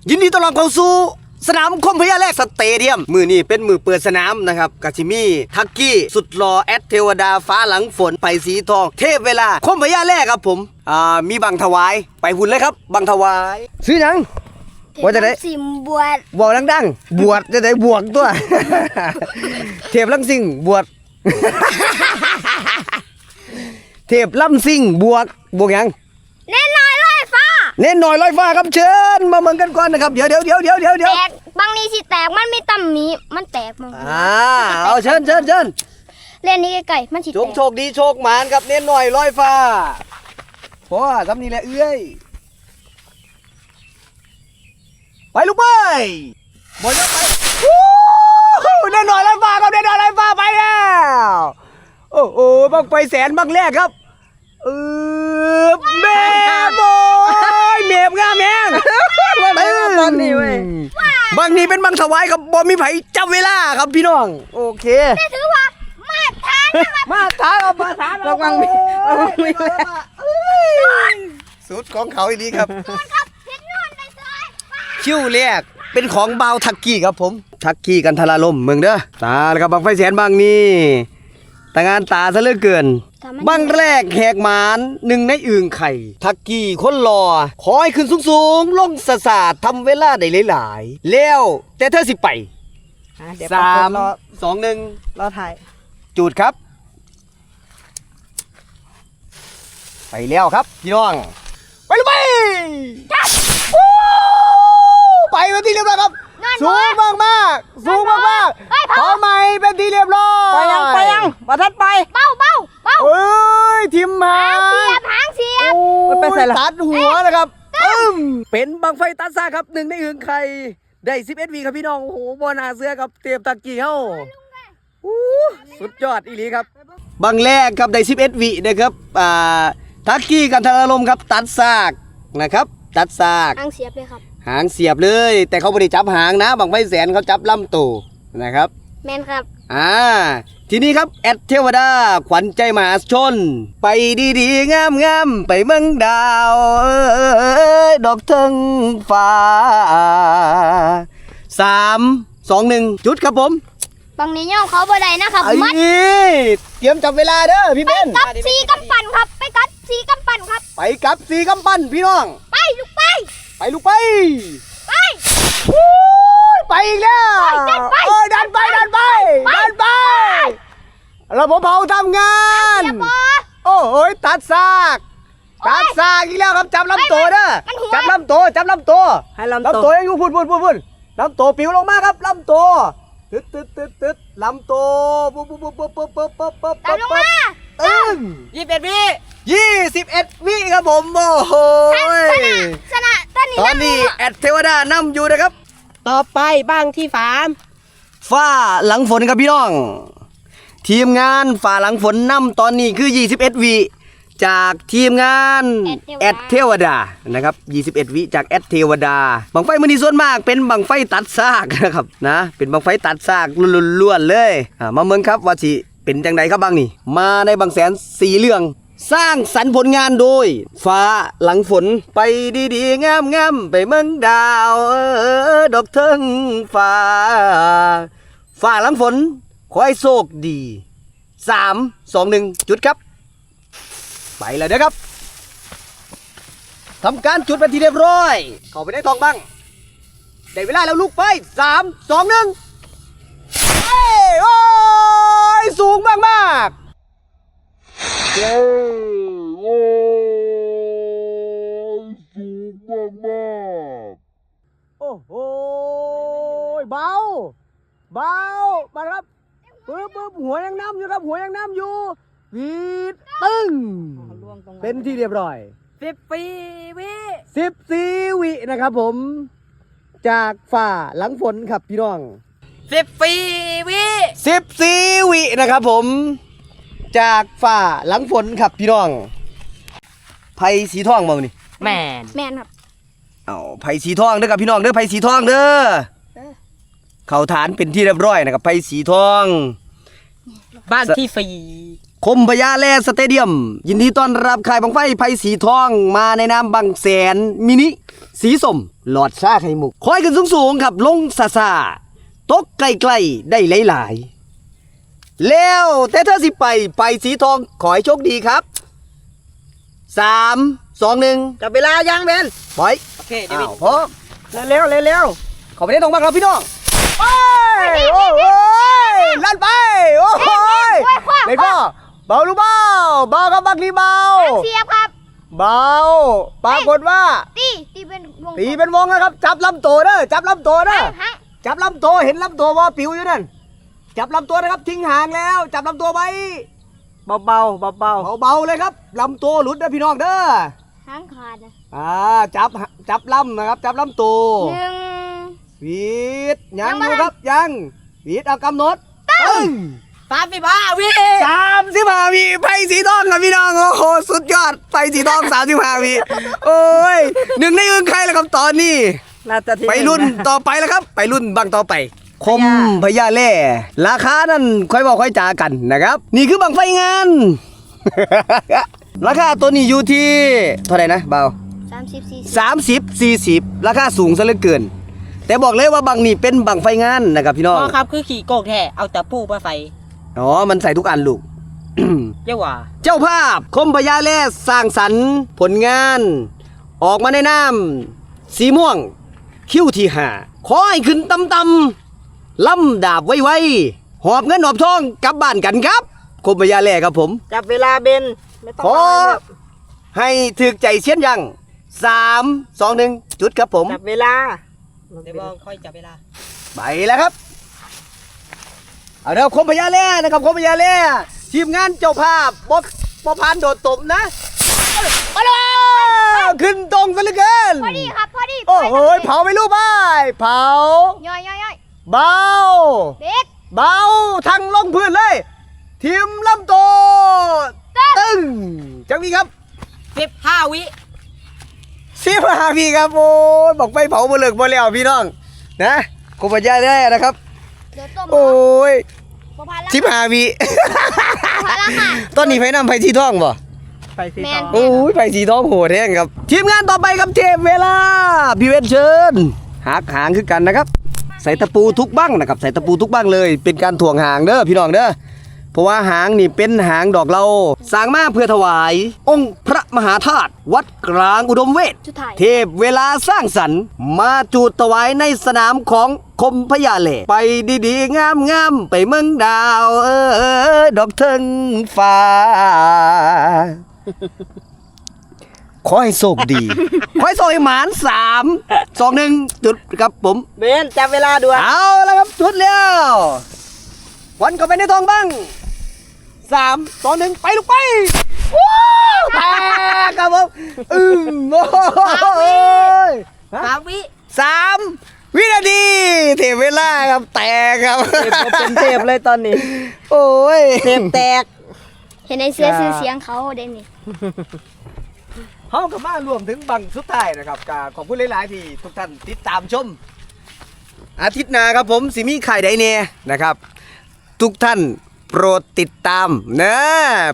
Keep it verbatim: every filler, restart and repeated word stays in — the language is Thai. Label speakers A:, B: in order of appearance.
A: ยินดีต้อนรับเข้าสู่สนามคมพญาแลกสเตเดียมมือนี้เป็นมือเปิดสนามนะครับกาชิมีทักกี้สุดหล่อแอดเทวดาฟ้าหลังฝนไปสีทองเทพเวลาคมพญาแลกครับผมอ่ามีบังถวายไปหุ่นเลยครับบังถวายซื้อหยังว่าจะได้
B: สิมบวช
A: บวกดังๆบวชจะได้บวกตัวเทพลังซิงบวชเทพลำซิงบวกบวกยัง
B: เน้นน้อยลอยฟ้า
A: เน้นหน่อยลอยฟ้าครับเชิญมาเมืองกันก่อนนะครับเดี๋ยวเดี๋ยวเดี๋ยวเดี๋ยวเดี๋ยวเดี๋ยว
B: แตกบางนี้สิแตกมันมีตำหมีมันแตกมั้ง
A: อ่าเอาเชิญเชิญเชิญ
B: เล่นนี้ไกลๆมันสิแตก
A: โชคโชคดีโชคหมานครับเน้นหน่อยลอยฟ้าพอทำนี่แหละเอื้อยไปลูกไปบอลไปเน้นหน่อยลอยฟ้าครับเน้นหน่อยลอยฟ้าไปแล้วโอ้โหบังไฟแสนบังแรกครับเออเมบโอยเมบงามแมงบางนี้เว้ยบางนี้เป็นบางถวายกับบอมีไผ่จับเวลาครับพี่น้องโอเค
B: แต่ถือว่ามาทาน
A: มาทานกับมาทานระวังมีระวังมีสุดของเขาอีนี้ครับคิ้วแรกเป็นของเบาทักกี้ครับผมทักกี้กันทลาลมเมืองเด้อตาแล้วกับบางไฟแสนบางนี้แต่งานตาซะเหลือเกินบังแรกแหกหมานหนึ่งในอึ่งไข่ทักกี้คนรอขอให้ขึ้นสูงๆลงสะสาดทำเวลาได้หลายๆแล้วแต่เธอสิไปสามสองหนึ่ง
C: รอถ่าย
A: จูดครับไปแล้วครับพี่น้องไปเลยไปไปเป็นที่เรียบร้อยครับสูงมากมากสูงมากมากพอไหมเป็นที่เรียบร้อย
C: ไปยังไปยังบัทัดไป
B: เบาเบาเบา
A: เอ้ยทิมหา
B: หางเสียบหางเสียบ
A: ไปใส่ตัดหัวนะครับเป็นบังไฟตัดซ่าครับหนึ่งในอึ่งไข่ได้สิบเอ็ดวีครับพี่น้องโอ้โหบอลอาเสือครับเตรียมตะกี้เฮ้าสุดยอดอีหลีครับบังแรกครับได้สิบเอ็ดวีนะครับอ่าทักกี้กันทารลมครับตัดซากนะครับตัดซาก
B: หางเสียบเลยครับ
A: หางเสียบเลยแต่เขาไม่ได้จับหางนะบังไฟแสนเขาจับลำตัวนะครับ
B: แมนครับ
A: อ่าทีนี้ครับแอดเทวดาขวัญใจมหาชนไปดีๆงามๆไปเมืองดาวดอกเทิงฟ้าสามสองหนึ่งจุดครับผม
B: บางนี้ย่อเขาบ่ได้นะครับ
A: มัดเตรียมจับเวลาเด้อพี่เบน
B: ไปกับสีกำปั้นครับไปกับสีกำปั้นครับ
A: ไปกับสีกำปั้นพี่น้อง
B: ไปลูกไป
A: ไปลูกไป
B: ไป
A: ไปอีกแล้วดันไปดันไปดันไปดันไประบบเผาทำงานโอ้โหตัดซากตัดซากอีกแล้วครับจับลำตัวเด้อจับลำตัวจับลำตัว
C: ให้ลำตัว
A: ยังอยู่พุ่นพุ่นพุ่นพุ่นลำตัวปิวลงมาครับลำตัวตึ๊ดตึ๊ดตึ๊ดตึ๊ดลำตัวปุ๊บปุ๊บปุ๊บปุ๊บปุ๊บปุ๊บปุ๊บปุ๊บปุ๊บตึ้ง
C: ยี่สิบเอ็ดวิ
A: ยี่สิบเอ็ดวิครับผมโอ้โห
B: ชนะตอนนี้
A: ตอนนี้แอดเทวดานำอยู่นะครับ
C: ต่อไปบ้างที่ฟาร์ม
A: ฟ้าหลังฝนครับพี่น้องทีมงานฝ่าหลังฝนนำตอนนี้คือยี่สิบเอ็ดวิจากทีมงานแอดเทวดานะครับยี่สิบเอ็ดวิจากแอดเทวดาบังไฟมันนี่ส่วนมากเป็นบังไฟตัดซากนะครับนะเป็นบังไฟตัดซากล้วนๆเลยมาเมืองครับว่าสิเป็นจังใดครับบางนี่มาในบางแสนสีเหลืองสร้างสรรค์ผลงานโดยฟ้าหลังฝนไปดีๆงามๆไปเมืองดาวดอกเทิงฟ้าฟ้าหลังฝนขอให้โชคดีสามสองหนึ่งจุดครับไปเลยนะครับทำการจุดเป็นทีเรียบร้อยเข้าไปได้ทองบ้างได้เวลาแล้วลูกไปสามสองหนึ่งโอ้ยสูงมากมากโอ้ยสูงมากมากโอ้โหเบาเบามาครับปึ๊บปึ๊บหัวยังน้ำอยู่ครับหัวยังน้ำอยู่วีดตึ้งเป็นที่เรียบร้อย
C: สิบสี่วิ
A: สิบสี่วินะครับผมจากฝ่าหลังฝนครับพี่น้อง
C: สิบสี่วิ
A: สิบสี่วินะครับผมจากฝ่าหลังฝนครับพี่น้องไผ่สีทองมาวันนี้
C: แมน
B: แมนครับ
A: เอาไผ่สีทองเด้อครับพี่น้องเด้อไผ่สีทองเด้อเข้าฐานเป็นที่เรียบร้อยนะครับไผ่สีทอง
C: บ้านที่สี่
A: คมพญาแลสเตเดียมยินดีต้อนรับค่ายบังไฟไผ่สีทองมาในนามบังแสนมินิสีส้มหลอดซาไข่มุกคอยขึ้นสูงๆครับลงซาซาตกใกล้ๆได้หลายๆแล้วแต่เธอสิไปไปสีทองขอให้โชคดีครับสามสองหนึ่ง
C: จับเวลายังเบน
A: ปล่อย
C: โอเคเดวิ
A: อ้า
C: ด
A: วพร้อม
C: เร็วเร็วเร็ว
A: ขอไปได้ตรงบ้างครับพี่น้องไปโอ้ยลั่นไปโอ้ยเล่นก็เบาลูกเบาเบาครับบักลีเบา
B: เสียบครับ
A: เบาปรากฏว่า
B: ตีตีเป็นวง
A: ตีเป็นวงนะครับ จับลำตัวเด้อจับลำตัวเด้อ
B: ฮะ
A: จับลำตัวเห็นลำตัวว่าปิวอยู่นั่นจับลำตัวนะครับทิ้งห่างแล้ว จับลำตัวไว้
C: เบาเบาเบาเบา
A: เบาๆเลยครับลำตัวหลุดนะพี่น้องเด้อ
B: หางขาดนะ
A: อ่าจับจับลำนะครับ จับลำตัว
B: หนึ่ง
A: วีดยัง
B: ยัง
A: อ
B: ไม่
A: ยู่ครับยังวีดเอากำหนดตึ้ง
C: สามสิบห้าวิ
A: สามสิบห้าวิไปสีทองครับพี่น้องโอ้โหสุดยอดไปสีทองสามสิบห้าวิโอ้ยหนึ่งในอึ้งใครแล้วครับตอนนี้
C: น่าจะที่
A: ไปรุ่นต่อไปแล้วครับ ไปรุ่นบังต่อไป คมพญาแล่ราคานั่นค่อยบอกค่อยจากันนะครับ นี่คือบังไฟงาน ราคาตัวนี้อยู่ที่เท่าไหร่นะเบา
B: สามสิบสี่สิบ
A: สามสิบสี่สิบราคาสูงซะเหลือเกิน แต่บอกเลยว่าบังนี่เป็นบังไฟงานนะครับพี่น้อง
C: พ่อครับคือขี่โกกแท้เอาแต่ปูมาใส่
A: อ๋อมันใส่ทุกอันลูก
C: เจ้าว่า
A: เจ้าภาพคมพญาแล่สร้างสรรค์ผลงาน ออกมาในน้ำสีม่วง คิ้วที่ห้าขอให้ขึ้นตำตำๆล่ำดาบไวๆหอบเงินหอบทองกลับบ้านกันครับคมพญาแล่ครับผม
C: จับเวลาเบนไม่ต้อง
A: ขอให้ถึกใจเชียนยังสามสองหนึ่งจุดครับผม
C: จับเวลาเดี๋ยวบอกค่อยจับเวลา
A: ไปแล้วครับ เอาเดี๋ยวคมพญาแล่นะครับคมพญาแล่ทีมงานเจ้าภาพบ๊อบบ๊อบพานโดดตบนะไปเลยขึ้นตรงซะเหลือเกิน
B: พอดีครับพอดี
A: โอ้โหเผาไม่รู้บ้ายเผา
B: ย่อยย่อยย่อย
A: เบา
B: เด็ก
A: เบาทั้งลงพื้นเลย ทีมลำโตตึ้งจังนี้ครับ
C: สิบห้าวิ
A: สิบห้าพี่ครับโอ้ยบอกไปเผาบ่เลิกบ่แล้วพี่น้องนะคมพญาแล่นะครับ
B: เดี๋ยวต้ม
A: โอ้ย
B: ประพันธ์ละ
A: สิบห้าวิ
B: ประพันธ์ละค่ะ
A: ตอนนี้ไฟน้ำไฟสีทองบ่
C: ไปสิ
B: แม
C: ต่
B: น
C: อ
A: โอ้ยไฟสีทองโหดแห้งครับ ทีมงานต่อไปครับเทพเวลา พี่เวทเชิญหักหางคือกันนะครับ ใส่ตะปูทุกบ้างนะครับ ใส่ตะปูทุกบ้างเลย เป็นการถ่วงหางเด้อพี่น้องเด้อ เพราะว่าหางนี่เป็นหางดอกเราสร้างมาเพื่อถวาย องค์พระมหาธาตุวัดกลางอุดมเวท
B: สุดท้าย
A: เทพเวลาสร้างสรรค์มาจูดถวายในสนามของคมพญาเหล่ไปดีๆ งามๆ ไปเมืองดาว เออดอกเทิงฟ้า ขอให้โชคดี ขอให้โชคให้หมานสามสองหนึ่งจุดครับผม
C: เบนจับเวลาด่วน
A: เอาแล้วครับจุดแล้ววันเข้าไปในทองบ้างสามสองหนึ่งไปลูกไปวู้แตกครับผมอืมโอ้ย
C: สามวิ
A: สามวินาทีเทเวลาครับแตกครับ
C: เทปเป็นเทปเลยตอนนี้
A: โอ้ย
C: เทปแตก
B: เห็นในเสื้อซื้อเสียงเขาเด่นนี่
A: ห้องกับมารวมถึงบังสุดท้ายนะครับกขอบคุณหลายๆที่ทุกท่านติดตามชม อาทิตย์หน้าครับผมสิมีไข่ไดเน่นะครับ ทุกท่านโปรดติดตามนะ